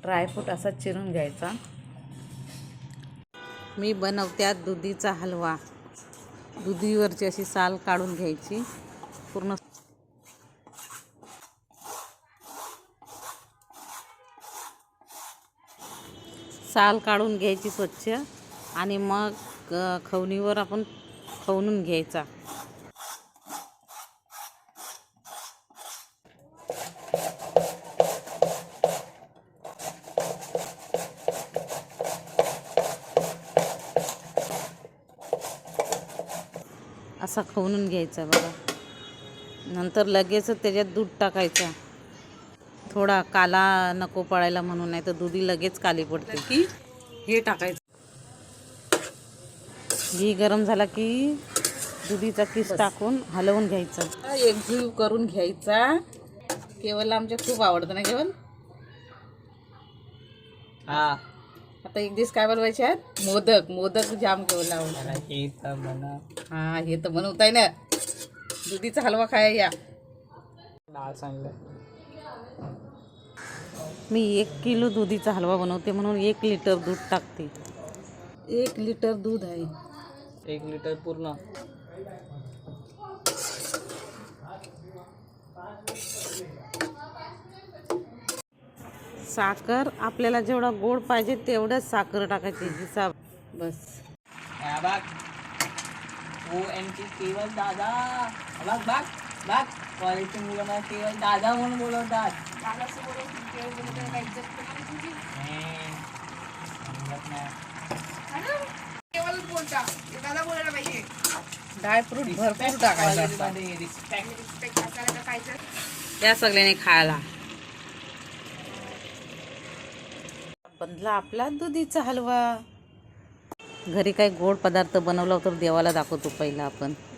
Dry fruit असा चिरून घ्यायचा। मी बनवत्यात दुधीचा हलवा। दुधीवरची अशी साल काढून घ्यायची पूर्ण। साल काढून घ्यायची स्वच्छ आणि मग खवणीवर आपण खवणून घ्यायचा। असा खवणून घ्यायचा बघा। नंतर लगेच त्याच्यात दूध टाकायचा। थोडा काला नको पडायला म्हणून, नाही तर दुधी लगेच काली पडते। की हे टाकायचं। घी गरम झाला की दुधीचा किस टाकून हलवून घ्यायचा। एकजीव करून घ्यायचा। केवलला आमच्या खूप आवडतं ना केवल। हा आता एक दिवस काय बनवायचे आहेत? मोदक। मोदक जाम केवलला आवडतात। हा हे तर बनवताय ना। दुधीचा हलवा खाया या। मी 1 किलो दुधीचा हलवा बनवते म्हणून 1 लिटर दूध टाकते। 1 लिटर दूध आहे। 1 लिटर पूर्ण। साखर आपल्याला जेवढा गोड पाहिजे तेवढंच साखर टाकायची हिसाब बस। केवल दादा बघ कॉलेजचे मुलं मला केवल दादा म्हणून बोलवतात। केवल बोलता दादा बोलायला पाहिजे। ड्रायफ्रूट भरपूर टाकायचं। या सगळ्यांनी खायला। बनला आपला दुधीचा हलवा। घरी काही गोड पदार्थ बनवला तर देवाला दाखवतो पहिला आपण।